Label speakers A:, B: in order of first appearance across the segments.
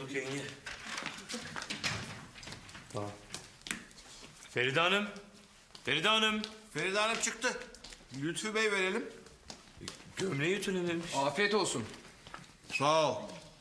A: bulduk yenge. Tamam. Feride Hanım. Feride Hanım.
B: Feride Hanım çıktı. Lütfü Bey verelim.
A: Gömleği ütülememiş.
C: Afiyet olsun.
B: Sağ ol.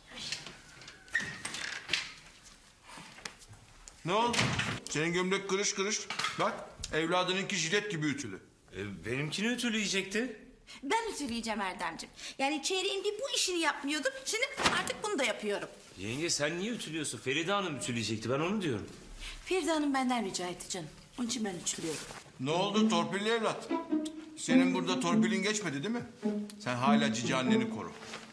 B: Ne oldu? Senin gömlek kırış kırış. Bak evladınınki jilet gibi ütülü.
A: Benimkini ütüleyecekti.
D: Ben ütüleyeceğim Erdemciğim. Yani çeyreğin bir bu işini yapmıyordum. Şimdi artık bunu da yapıyorum.
A: Yenge sen niye ütülüyorsun? Feride Hanım ütüleyecekti, ben onu diyorum.
D: Feride Hanım benden rica etti canım. Onun için ben ütülüyorum.
B: Ne oldu torpilli evlat? Senin burada torpilin geçmedi değil mi? Sen hala cici anneni koru.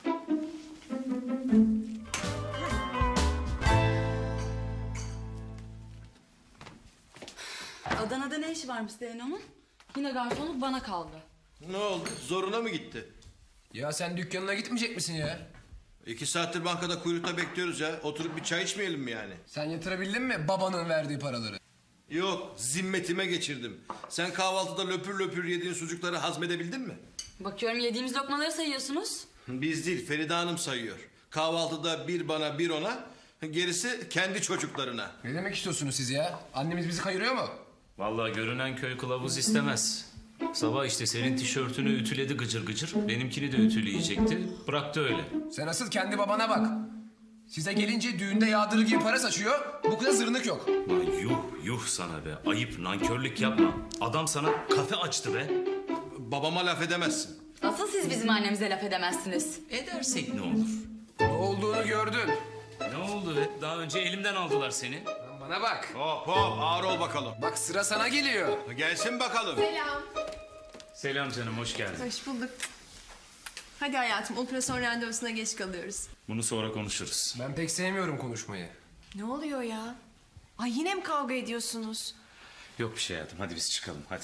E: Adana'da ne işi varmış Zeyno'nun? Yine garsonluk bana kaldı.
B: Ne oldu? Zoruna mı gitti?
C: Ya sen dükkanına gitmeyecek misin ya?
B: 2 saattir bankada kuyrukta bekliyoruz ya. Oturup bir çay içmeyelim mi yani?
C: Sen yatırabildin mi babanın verdiği paraları?
B: Yok, zimmetime geçirdim. Sen kahvaltıda löpür löpür yediğin sucukları hazmedebildin mi?
E: Bakıyorum yediğimiz lokmaları sayıyorsunuz.
B: Biz değil, Feride Hanım sayıyor. Kahvaltıda bir bana bir ona, gerisi kendi çocuklarına.
C: Ne demek istiyorsunuz siz ya? Annemiz bizi kayırıyor mu?
A: Vallahi görünen köy kılavuz istemez. Sabah işte senin tişörtünü ütüledi gıcır gıcır. Benimkini de ütüleyecekti. Bıraktı öyle.
C: Sen asıl kendi babana bak. Size gelince düğünde yağdırı gibi para saçıyor. Bu kıza zırnık yok.
A: Lan yuh yuh sana be. Ayıp, nankörlük yapma. Adam sana kafe açtı be.
B: Babama laf edemezsin.
E: Asıl siz bizim annemize laf edemezsiniz.
A: Edersek ne olur?
C: Ne olduğunu gördün.
A: Ne oldu be? Daha önce elimden aldılar seni.
C: Lan bana bak.
B: Hop hop, ağır ol bakalım.
C: Bak sıra sana geliyor.
B: Gelsin bakalım.
A: Selam canım, hoş geldin.
F: Hoş bulduk. Hadi hayatım, operasyon randevusuna geç kalıyoruz.
A: Bunu sonra konuşuruz.
C: Ben pek sevmiyorum konuşmayı.
F: Ne oluyor ya? Ay yine mi kavga ediyorsunuz?
A: Yok bir şey hayatım. Hadi biz çıkalım. Hadi.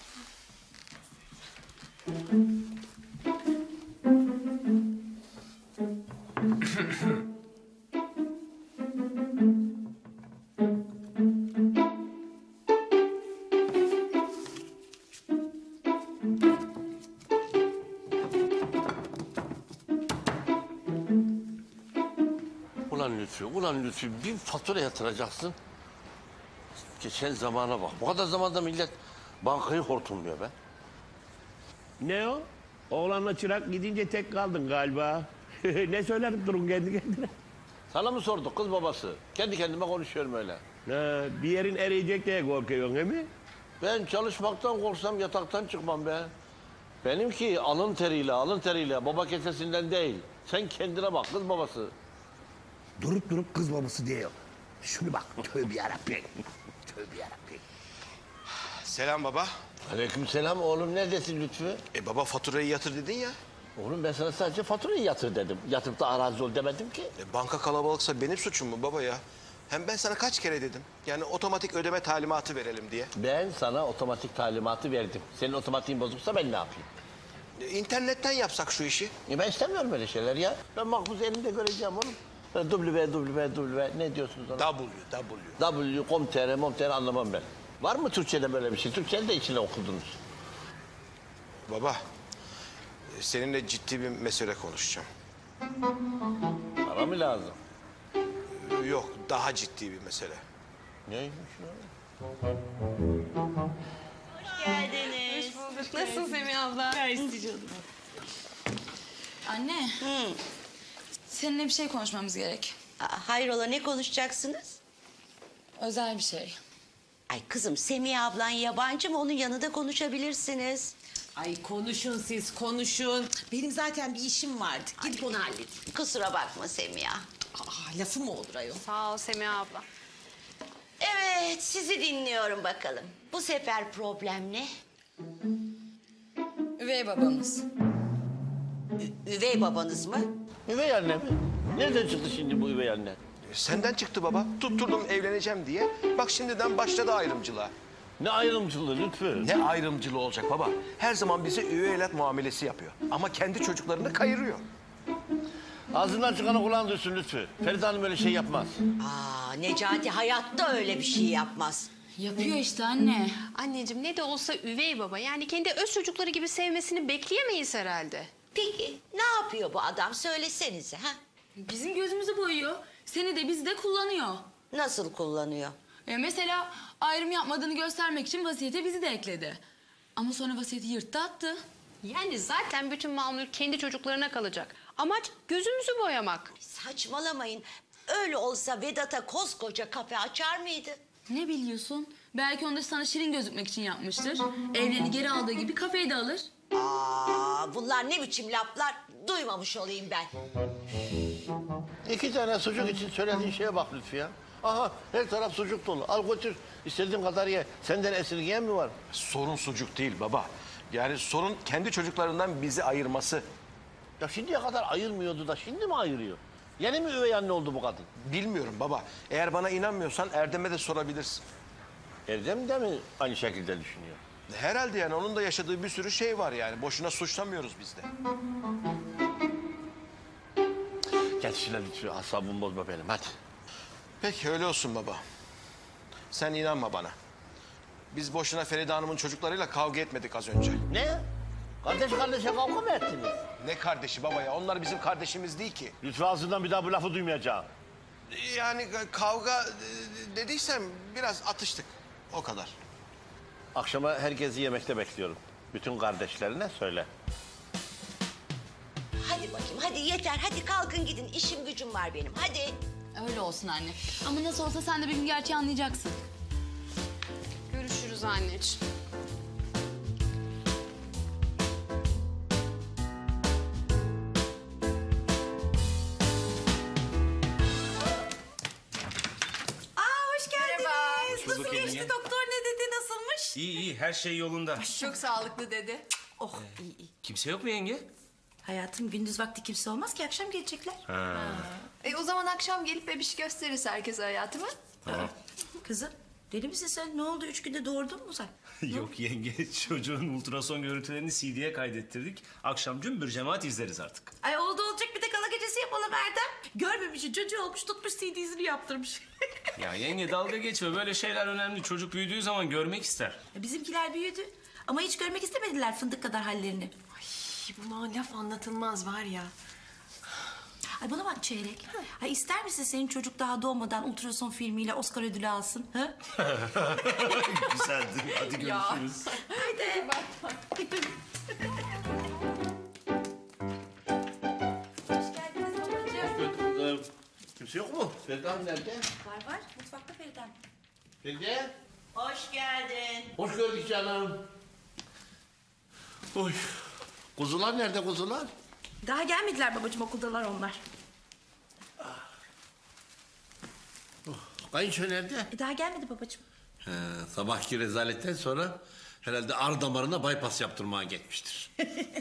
G: Ulan Lütfü bir fatura yatıracaksın. Geçen zamana bak. Bu kadar zamanda millet bankayı hortumluyor be.
H: Ne o? Oğlanla çırak gidince tek kaldın galiba. Ne söyler durun kendi kendine?
G: Sana mı sorduk kız babası? Kendi kendime konuşuyorum öyle.
H: Ha, bir yerin eriyecek diye korkuyorsun değil mi?
G: Ben çalışmaktan korksam yataktan çıkmam be. Benimki alın teriyle baba kesesinden değil. Sen kendine bak kız babası.
H: Durup kız babası diyor. Şunu bak tövbe yarabbim. Tövbe yarabbim.
B: Selam baba.
G: Aleykümselam oğlum neredesin Lütfü?
B: Baba faturayı yatır dedin ya.
G: Oğlum ben sana sadece faturayı yatır dedim. Yatırıp da arazi ol demedim ki.
I: Banka kalabalıksa benim suçum mu baba ya? Hem ben sana kaç kere dedim. Yani otomatik ödeme talimatı verelim diye.
G: Ben sana otomatik talimatı verdim. Senin otomatiğin bozuksa ben ne yapayım?
I: İnternetten yapsak şu işi.
G: Ben istemiyorum öyle şeyler ya. Ben makbuzu elimde göreceğim oğlum. www ne diyorsunuz ona? W.com.tr anlamam ben. Var mı Türkçe'de böyle bir şey? Türkçe'de de içine okudunuz.
I: Baba, seninle ciddi bir mesele konuşacağım.
G: Para mı lazım?
I: Yok, daha ciddi bir mesele.
G: Neymiş o?
D: Geldiniz.
F: Nasılsın Semih abla?
E: Anne. Seninle bir şey konuşmamız gerek.
D: Hayrola ne konuşacaksınız?
E: Özel bir şey.
D: Ay kızım Semih ablan yabancı mı? Onun yanında konuşabilirsiniz.
J: Ay konuşun siz konuşun. Benim zaten bir işim vardı. Gidip onu halledeyim.
D: Kusura bakma Semiha.
J: Lafı mı olur ayol?
F: Sağ ol Semih abla.
D: Evet sizi dinliyorum bakalım. Bu sefer problem ne?
E: Üvey babamız.
D: Üvey babanız mı?
G: Üvey anne mi? Nereden çıktı şimdi bu üvey anne?
I: Senden çıktı baba. Tutturdum evleneceğim diye. Bak şimdiden başladı ayrımcılığa.
G: Ne ayrımcılığı Lütfü?
I: Ne ayrımcılığı olacak baba? Her zaman bize üvey evlat muamelesi yapıyor. Ama kendi çocuklarını kayırıyor.
G: Ağzından çıkanı kulağın duysun Lütfü. Feride Hanım öyle şey yapmaz.
D: Necati hayatta öyle bir şey yapmaz.
E: Yapıyor işte anne.
F: Anneciğim ne de olsa üvey baba. Yani kendi öz çocukları gibi sevmesini bekleyemeyiz herhalde.
D: Peki ne yapıyor bu adam söylesenize ha?
E: Bizim gözümüzü boyuyor. Seni de bizi de kullanıyor.
J: Nasıl kullanıyor?
E: Mesela ayrım yapmadığını göstermek için vasiyete bizi de ekledi. Ama sonra vasiyeti yırttı attı.
F: Yani zaten bütün mal mülk kendi çocuklarına kalacak. Amaç gözümüzü boyamak.
J: Saçmalamayın. Öyle olsa Vedat'a koskoca kafe açar mıydı?
E: Ne biliyorsun? Belki onu da sana şirin gözükmek için yapmıştır. Evlerini geri aldığı gibi kafeyi de alır.
J: Bunlar ne biçim laflar? Duymamış olayım ben.
G: 2 tane sucuk için söylediğin şeye bak Lütfi ya. Aha her taraf sucuk dolu. Al götür. İstediğin kadar ye. Senden esirgeyen mi var?
I: Sorun sucuk değil baba. Yani sorun kendi çocuklarından bizi ayırması.
G: Ya şimdiye kadar ayırmıyordu da şimdi mi ayırıyor? Yeni mi üvey anne oldu bu kadın?
I: Bilmiyorum baba. Eğer bana inanmıyorsan Erdem'e de sorabilirsin.
G: Erdem de mi aynı şekilde düşünüyor?
I: Herhalde yani onun da yaşadığı bir sürü şey var yani. Boşuna suçlamıyoruz biz de.
G: Gel şuna Lütfi. Asabımı bozma benim hadi.
I: Peki öyle olsun baba. Sen inanma bana. Biz boşuna Feride Hanım'ın çocuklarıyla kavga etmedik az önce.
G: Ne? Kardeş kardeşe kavga mı ettiniz?
I: Ne kardeşi baba ya? Onlar bizim kardeşimiz değil ki.
G: Lütfi ağzından bir daha bu lafı duymayacağım.
I: Yani kavga dediysem biraz atıştık. O kadar.
G: Akşama herkesi yemekte bekliyorum. Bütün kardeşlerine söyle.
J: Hadi bakayım, hadi yeter. Hadi kalkın gidin. İşim gücüm var benim. Hadi.
E: Öyle olsun anne. Ama nasıl olsa sen de bir gün gerçeği anlayacaksın.
F: Görüşürüz anneciğim.
D: Hoş geldiniz.
A: Merhaba.
D: Nasıl
A: Bulduk
D: geçti
A: yenge.
D: doktor ne dedi nasılmış?
A: İyi her şey yolunda.
F: Çok sağlıklı dedi.
D: Oh iyi iyi.
A: Kimse yok mu yenge?
D: Hayatım gündüz vakti kimse olmaz ki akşam gelecekler.
F: O zaman akşam gelip bebiş gösteririz herkese hayatımı.
D: Kızım deli misin sen? Ne oldu 3 günde doğurdun mu sen?
A: Yok yenge çocuğun ultrason görüntülerini CD'ye kaydettirdik. Akşam cümbür cemaat izleriz artık.
D: Ay oldu olacak bir de gala gecesi yapalım Erdem. Görmemişi çocuğu olmuş tutmuş CD'sini yaptırmış.
A: Ya yenge dalga geçme böyle şeyler önemli. Çocuk büyüdüğü zaman görmek ister.
D: Bizimkiler büyüdü ama hiç görmek istemediler fındık kadar hallerini.
F: Buna laf anlatılmaz var ya.
D: Ay bana bak Çeyrek. Ay ister misin senin çocuk daha doğmadan ultrason filmiyle Oscar ödülü alsın? Ha?
A: Güzeldi. Hadi görüşürüz.
D: Haydi. Hoş geldiniz babacığım.
G: Kimse yok mu? Feride Hanım nerede?
D: Var mutfakta Feride Hanım.
G: Feride.
J: Hoş geldin.
G: Hoş gördük canım. Oy. Kuzular nerede kuzular?
D: Daha gelmediler babacığım okuldalar onlar.
G: Kayınço nerede?
D: Daha gelmedi babacığım.
G: Sabahki rezaletten sonra herhalde ar damarına bypass yaptırmaya gitmiştir.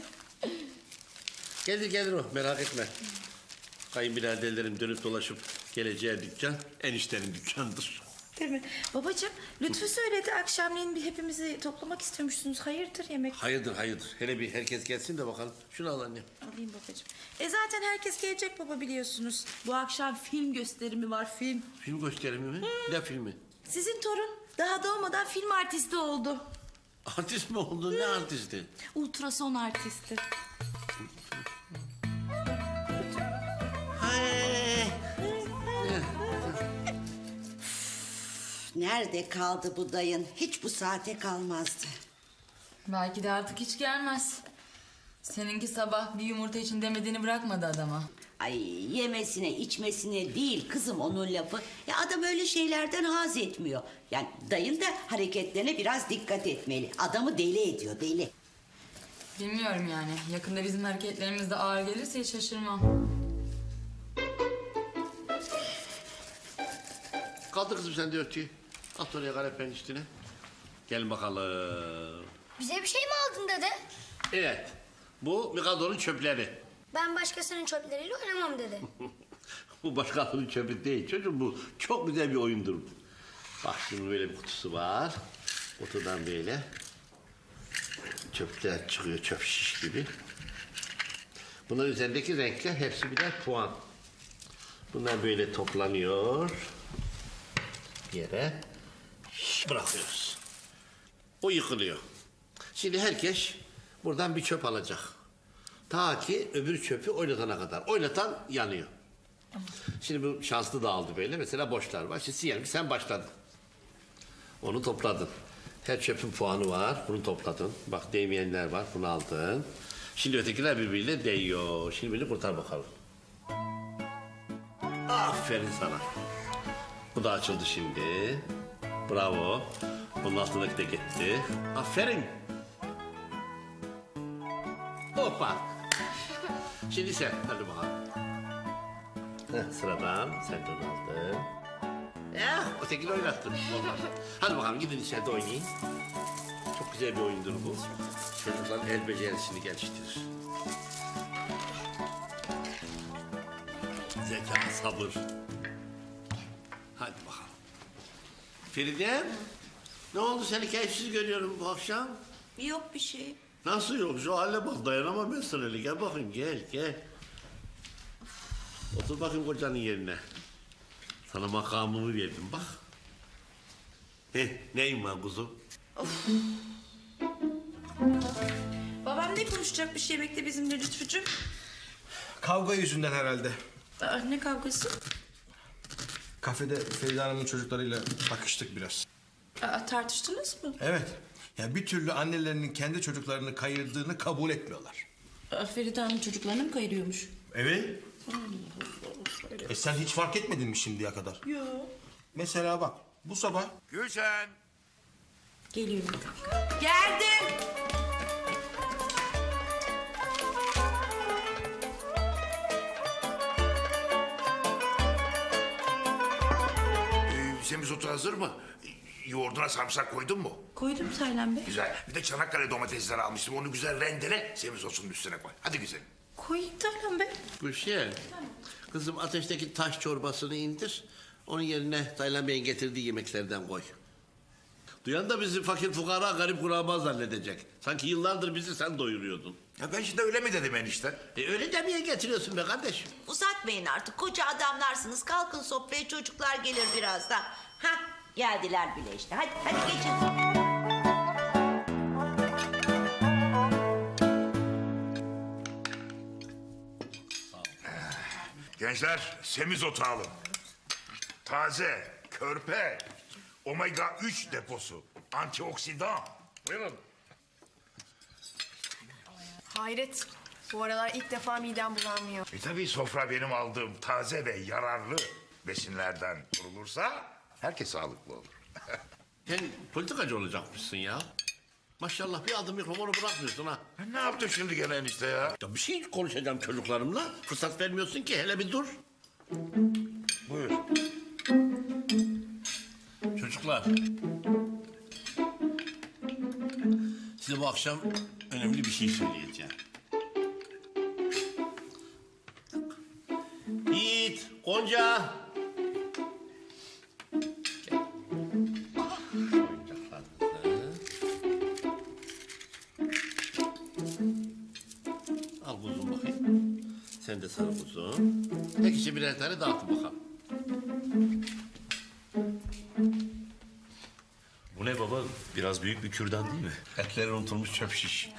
G: Gelir o merak etme. Kayınbiraderlerim dönüp dolaşıp geleceği dükkan eniştenin dükkanıdır.
D: Değil mi? Babacığım Lütfü söyledi akşamleyin bir hepimizi toplamak istiyormuşsunuz. Hayırdır yemek?
G: Hayırdır. Hele bir herkes gelsin de bakalım. Şunu al annem.
D: Alayım babacığım. Zaten herkes gelecek baba biliyorsunuz. Bu akşam film gösterimi var film.
G: Film gösterimi mi? Ne filmi?
D: Sizin torun daha doğmadan film artisti oldu.
G: Artist mi oldu? Ne artisti?
D: Ultrason artisti.
J: Nerede kaldı bu dayın? Hiç bu saate kalmazdı.
E: Belki de artık hiç gelmez. Seninki sabah bir yumurta için demediğini bırakmadı adama.
J: Ay yemesine içmesine değil kızım onun lafı. Ya adam öyle şeylerden haz etmiyor. Yani dayın da hareketlerine biraz dikkat etmeli. Adamı deli ediyor deli.
E: Bilmiyorum yani. Yakında bizim hareketlerimiz de ağır gelirse hiç şaşırmam.
G: Kaldı kızım sen de örtüyü. At oraya kanepenin üstüne. Gel bakalım.
K: Bize bir şey mi aldın dede?
G: Evet. Bu Mikado'nun çöpleri.
K: Ben başkasının çöpleriyle oynamam dede.
G: Bu başkasının çöpü değil çocuğum bu. Çok güzel bir oyundur. Bak şimdi böyle bir kutusu var. Kutudan böyle çöpler çıkıyor çöp şiş gibi. Bunların üzerindeki renkler hepsi birer puan. Bunlar böyle toplanıyor. Bir yere bırakıyoruz. O yıkılıyor. Şimdi herkes buradan bir çöp alacak. Ta ki öbür çöpü oynatana kadar. Oynatan yanıyor.
H: Şimdi bu şanslı dağıldı böyle. Mesela boşlar var. Şimdi diyelim ki sen başladın. Onu topladın. Her çöpün puanı var. Bunu topladın. Bak değmeyenler var. Bunu aldın. Şimdi ötekiler birbiriyle değiyor. Şimdi beni kurtar bakalım. Aferin sana. Bu da açıldı şimdi. Bravo. Bunun altındaki de gitti. Aferin. Hoppa. Şimdi sen. Hadi bakalım. Heh, sıradan sen de onu aldın. Ya ötekini oynattın. Olmaz. Hadi bakalım gidin içeride oynayın. Çok güzel bir oyundur bu. Çocukların el becerisini geliştirir. Zeka, sabır. Hadi bakalım. Feride, ne oldu seni keyifsiz görüyorum bu akşam?
J: Yok bir şey.
H: Nasıl yok? Şu hale bak dayanamam ben sana öyle. Gel bakayım gel. Otur bakayım kocanın yerine. Sana makamımı verdim bak. Neyin var kuzum?
D: Babam ne konuşacakmış yemekte bizimle Lütfücüğüm?
B: Kavga yüzünden herhalde.
D: Ne kavgası?
B: Kafede Feride Hanım'ın çocuklarıyla bakıştık biraz.
D: Tartıştınız mı?
B: Evet. Ya bir türlü annelerinin kendi çocuklarını kayırdığını kabul etmiyorlar.
D: Feride Hanım çocuklarını mı kayırıyormuş?
B: Evet. Sen hiç fark etmedin mi şimdiye kadar?
D: Yok.
B: Mesela bak bu sabah
L: Gülşen.
D: Geliyorum.
J: Geldim.
L: Semizotu hazır mı? Yoğurduna sarımsak koydun mu?
D: Koydum Taylan Bey.
L: Güzel. Bir de Çanakkale domatesleri almıştım. Onu güzel rendele, semizotunun üstüne koy. Hadi güzel.
D: Koyayım Taylan Bey.
H: Gülşen, kızım ateşteki taş çorbasını indir. Onun yerine Taylan Bey'in getirdiği yemeklerden koy. Duyan da bizi fakir fukara garip kuraba zannedecek. Sanki yıllardır bizi sen doyuruyordun.
L: Ya ben şimdi öyle mi dedim enişte?
H: Öyle demeye getiriyorsun be kardeşim.
J: Uzatmayın artık. Koca adamlarsınız. Kalkın sofraya, çocuklar gelir birazdan. Hah, geldiler bile işte. Hadi geçin.
L: Gençler semizotu alın. Taze, körpe, omega 3 deposu, antioksidan. Buyurun.
M: Hayret. Bu aralar ilk defa midem bulanmıyor.
L: Tabii sofra benim aldığım taze ve yararlı besinlerden kurulursa herkes sağlıklı olur.
H: Sen politikacı olacakmışsın ya. Maşallah bir adım mikrofonu bırakmıyorsun ha.
L: Ne yaptın şimdi gene enişte ya?
H: Ya bir şey konuşacağım çocuklarımla. Fırsat vermiyorsun ki hele bir dur.
L: Buyur.
H: Çocuklar. Size bu akşam önemli bir şey söyleyeceğim. Yiğit, Gonca. Gel. Oyuncaklarınızı. Al kuzum bakayım. Sen de sarı kuzum. Herkese birer tane dağıtın bakalım.
A: Bu ne baba? Biraz büyük bir kürdan değil mi?
H: Etleri unutulmuş çöp şiş.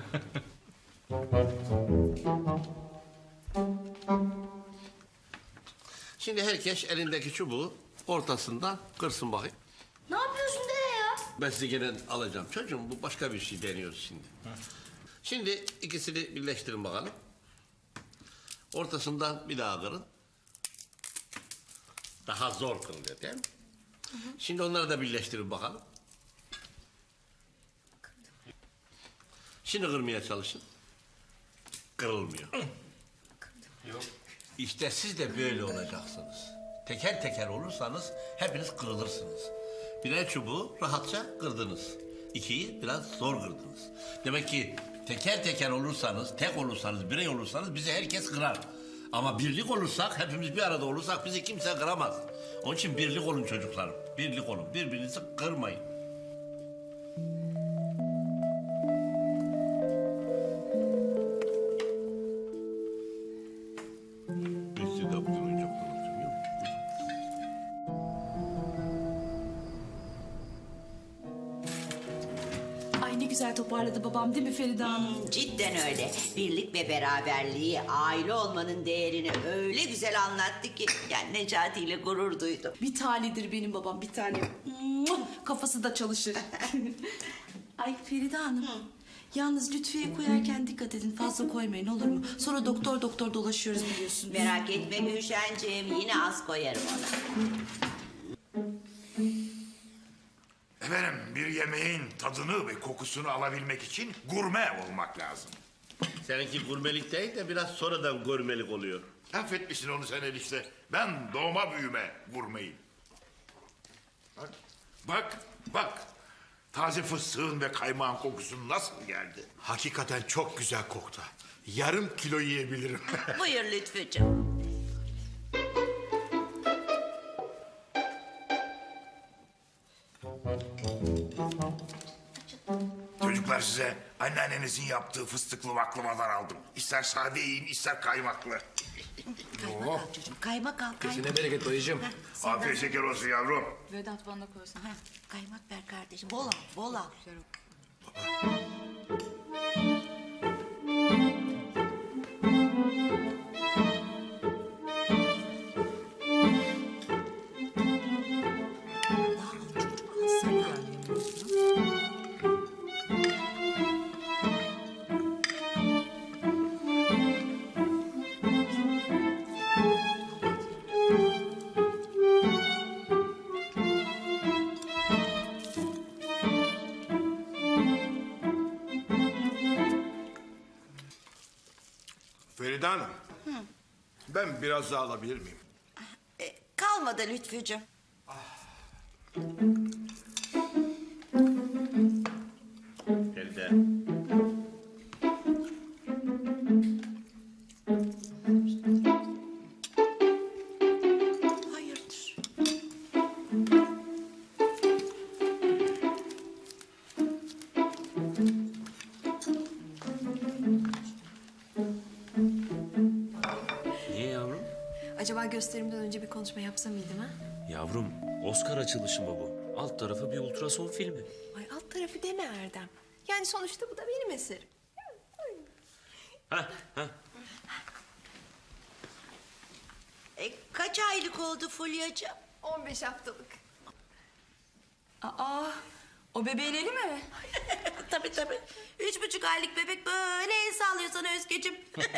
H: Şimdi herkes elindeki çubuğu ortasından kırsın bakayım.
K: Ne yapıyorsun dede ya?
H: Ben size gene alacağım. Çocuğum bu başka bir şey deniyoruz şimdi. Şimdi ikisini birleştirin bakalım. Ortasından bir daha kırın. Daha zor kırılıyor değil mi? Şimdi onları da birleştirin bakalım. Şimdi kırmaya çalışın. Kırılmıyor. İşte siz de böyle olacaksınız. Teker teker olursanız hepiniz kırılırsınız. Birer çubuğu rahatça kırdınız. İkiyi biraz zor kırdınız. Demek ki teker teker olursanız, tek olursanız, birey olursanız bizi herkes kırar. Ama birlik olursak, hepimiz bir arada olursak bizi kimse kıramaz. Onun için birlik olun çocuklarım. Birlik olun. Birbirinizi kırmayın. Biz de bu oyuncaklar alacağım, yok mu?
D: Ay ne güzel toparladı babam değil mi Feride Hanım?
J: Cidden öyle. Birlik ve beraberliği, aile olmanın değerini öyle güzel anlattı ki... ...yani Necati ile gurur duydum.
D: Bir tanedir benim babam, bir tane. Kafası da çalışır. Ay Feride Hanım. Yalnız Lütfiye koyarken dikkat edin. Fazla koymayın olur mu? Sonra doktor dolaşıyoruz biliyorsunuz.
J: Merak etme Gülşenciğim, yine az koyarım ona.
L: Efendim bir yemeğin tadını ve kokusunu alabilmek için gurme olmak lazım.
H: Seninki gurmelik değil de biraz sonradan gurmelik oluyor.
L: Affetmişsin onu sen enişte. Ben doğma büyüme gurmeyim. Bak. Taze fıstığın ve kaymağın kokusu nasıl geldi? Hakikaten çok güzel koktu. Yarım kilo yiyebilirim.
J: Buyur Lütfücüğüm.
L: Çocuklar size anneannenizin yaptığı fıstıklı baklavadan aldım. İster sade yiyin, ister kaymaklı.
J: Kaymak al çocuğum, kaymak al.
C: Kesine bereket dayıcığım.
L: Afiyet şeker olsun yavrum.
E: Vedat bana da koysun.
J: Kaymak ver kardeşim, bol al.
B: Feride Hanım. Ben biraz daha alabilir miyim?
J: Kalmadı Lütfücüğüm.
H: Feride.
J: Hayırdır?
A: Niye yavrum?
M: Acaba gösterimden önce bir konuşma yapsam mıydım ha?
A: Yavrum, Oscar açılışı mı bu? Alt tarafı bir ultrason filmi.
M: Ay alt tarafı deme Erdem. Yani sonuçta bu da benim eserim.
A: Heh.
J: Kaç aylık oldu Fulya'cığım?
M: 15 haftalık.
E: Aa, o bebeğin eli mi?
J: Tabii. 3,5 aylık bebek böyle el sallıyor sana Özgeciğim.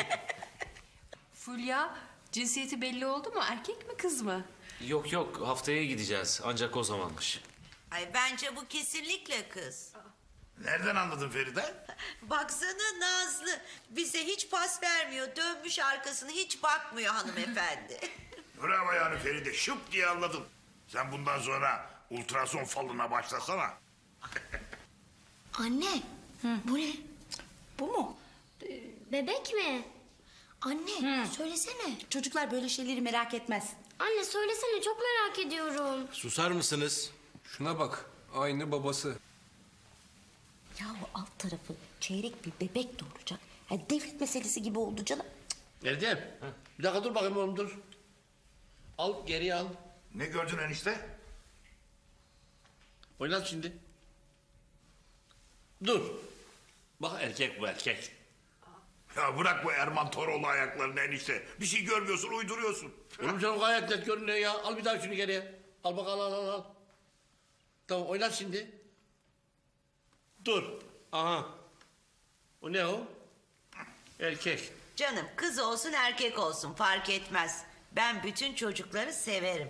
M: Fulya, cinsiyeti belli oldu mu? Erkek mi kız mı?
A: Yok, haftaya gideceğiz. Ancak o zamanmış.
J: Ay bence bu kesinlikle kız.
L: Nereden anladın Feride?
J: Baksana Nazlı, bize hiç pas vermiyor. Dönmüş arkasını hiç bakmıyor hanımefendi.
L: Bravo yani Feride, şıp diye anladım. Sen bundan sonra ultrason falına başlasana.
K: Anne. Bu ne?
D: Bu mu?
K: Bebek mi? Anne söylesene.
D: Çocuklar böyle şeyleri merak etmez.
K: Anne söylesene çok merak ediyorum.
B: Susar mısınız?
C: Şuna bak. Aynı babası.
J: Yahu alt tarafı çeyrek bir bebek doğuracak. Yani devlet meselesi gibi oldu canım.
H: Erdem. Bir dakika dur bakayım oğlum dur. Al geriye al.
L: Ne gördün enişte?
H: Oynat şimdi. Dur. Bak erkek bu erkek.
L: Ya bırak bu Erman Toroğlu ayaklarını enişte. Bir şey görmüyorsun, uyduruyorsun.
H: Oğlum canım gayet net görünüyor ya. Al bir daha şunu geriye. Al bak al. Tamam oynat şimdi. Dur. Aha. O ne o? Erkek.
J: Canım kız olsun erkek olsun fark etmez. Ben bütün çocukları severim.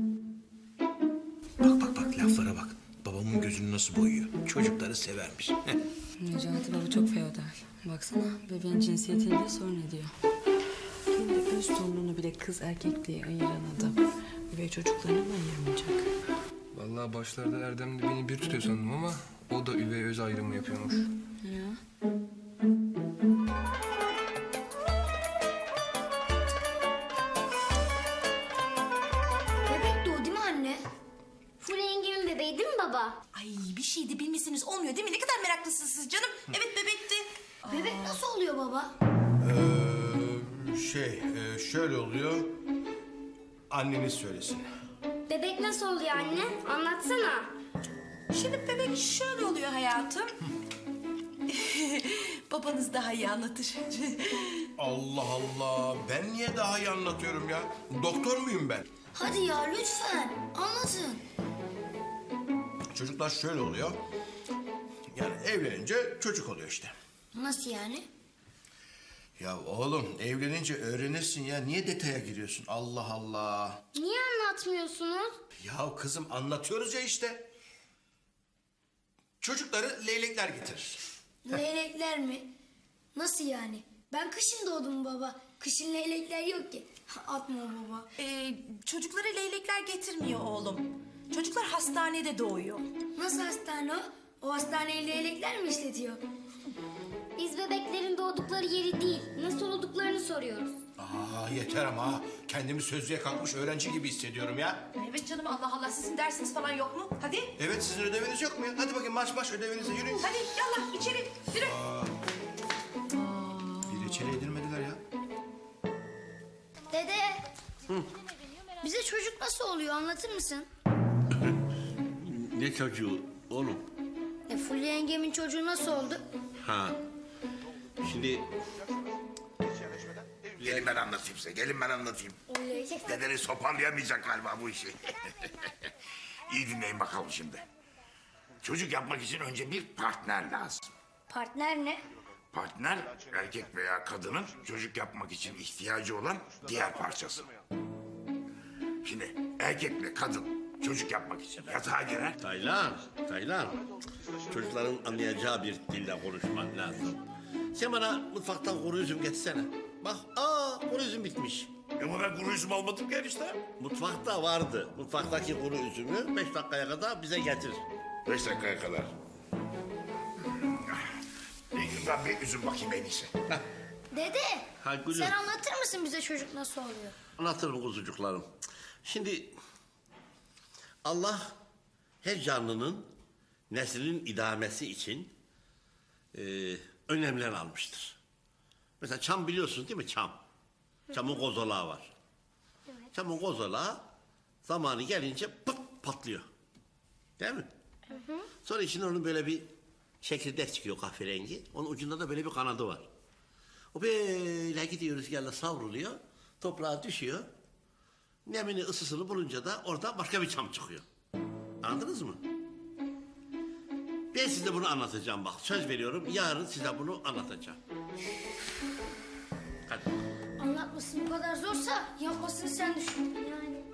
B: Bak laflara bak. Babamın gözünü nasıl boyuyor. Çocukları severmiş.
E: Necati baba çok feodal. Baksana bebeğin cinsiyetini de sorun ediyor. Kendi öz torununu bile kız erkek diye ayıran adam. Üvey çocuklarını mı ayırmayacak?
C: Vallahi başlarda Erdem de beni bir tutuyor sandım ama o da üvey öz ayrımı yapıyormuş.
E: Ya.
K: Bebek de o değil mi anne? Fulya yengemin bebeği değil mi baba?
D: Ay bir şey de bilmesiniz olmuyor değil mi? Ne kadar meraklısınız siz canım. Evet bebekti.
K: Bebek nasıl oluyor baba?
B: Şöyle oluyor. Anneniz söylesin.
K: Bebek nasıl oluyor anne? Anlatsana.
D: Şimdi bebek şöyle oluyor hayatım. Babanız daha iyi anlatır.
B: Allah Allah. Ben niye daha iyi anlatıyorum ya? Doktor muyum ben?
K: Hadi ya lütfen anlatın.
B: Çocuklar şöyle oluyor. Yani evlenince çocuk oluyor işte.
K: Nasıl yani?
B: Ya oğlum evlenince öğrenirsin ya. Niye detaya giriyorsun? Allah Allah.
K: Niye anlatmıyorsunuz?
B: Ya kızım anlatıyoruz ya işte. Çocukları leylekler getirir.
K: Leylekler mi? Nasıl yani? Ben kışın doğdum baba. Kışın leylekler yok ki. Atma baba.
D: Çocuklara leylekler getirmiyor oğlum. Çocuklar hastanede doğuyor.
K: Nasıl hastane o? O hastaneyi leylekler mi işletiyor? Biz bebeklerin doğdukları yeri değil, nasıl olduklarını soruyoruz.
B: Aa yeter ama ha. Kendimi sözlüğe kalkmış öğrenci gibi hissediyorum ya.
D: Evet canım Allah Allah sizin dersiniz falan yok mu? Hadi.
B: Evet sizin ödeviniz yok mu ya? Hadi bakayım marş ödevinize yürüyün.
D: Hadi yallah içeri yürü.
B: Bir reçele yedirmediler ya.
K: Dede. Bize çocuk nasıl oluyor anlatır mısın?
H: Ne çocuğu oğlum?
K: Fulya yengemin çocuğu nasıl oldu?
H: Ha. Şimdi
L: Gelin ben anlatayım size, gelin ben anlatayım. Dedeniz toparlayamayacak galiba bu işi. İyi dinleyin bakalım şimdi. Çocuk yapmak için önce bir partner lazım.
K: Partner ne?
L: Partner, erkek veya kadının çocuk yapmak için ihtiyacı olan diğer parçası. Şimdi erkekle kadın çocuk yapmak için yatağa girer.
H: Taylan. Çocukların anlayacağı bir dille konuşman lazım. Sen bana mutfaktan kuru üzüm getirsene. Bak, kuru üzüm bitmiş.
L: Ama ben kuru üzüm almadım ki enişte.
H: Mutfakta vardı. Mutfaktaki kuru üzümü 5 dakikaya kadar bize getir.
L: 5 dakikaya kadar. Ben bir üzüm bakayım en iyisi.
K: Dede.
H: Ha, gülüm.
K: Sen anlatır mısın bize çocuk nasıl oluyor?
H: Anlatırım kuzucuklarım. Şimdi Allah her canlının neslinin idamesi için önlemler almıştır. Mesela çam biliyorsunuz değil mi çam? Çamın kozalağı var. Çamın kozalağı zamanı gelince pıt patlıyor. Değil mi? Sonra içinden onun böyle bir çekirdek çıkıyor kahverengi. Onun ucunda da böyle bir kanadı var. O böyle gidiyor rüzgarla savruluyor. Toprağa düşüyor. Nemini ısısını bulunca da orada başka bir çam çıkıyor. Anladınız mı? Ben size bunu anlatacağım bak. Söz veriyorum yarın size bunu anlatacağım. Hadi.
K: Anlatması bu kadar zorsa yapmasını sen düşün. Yani.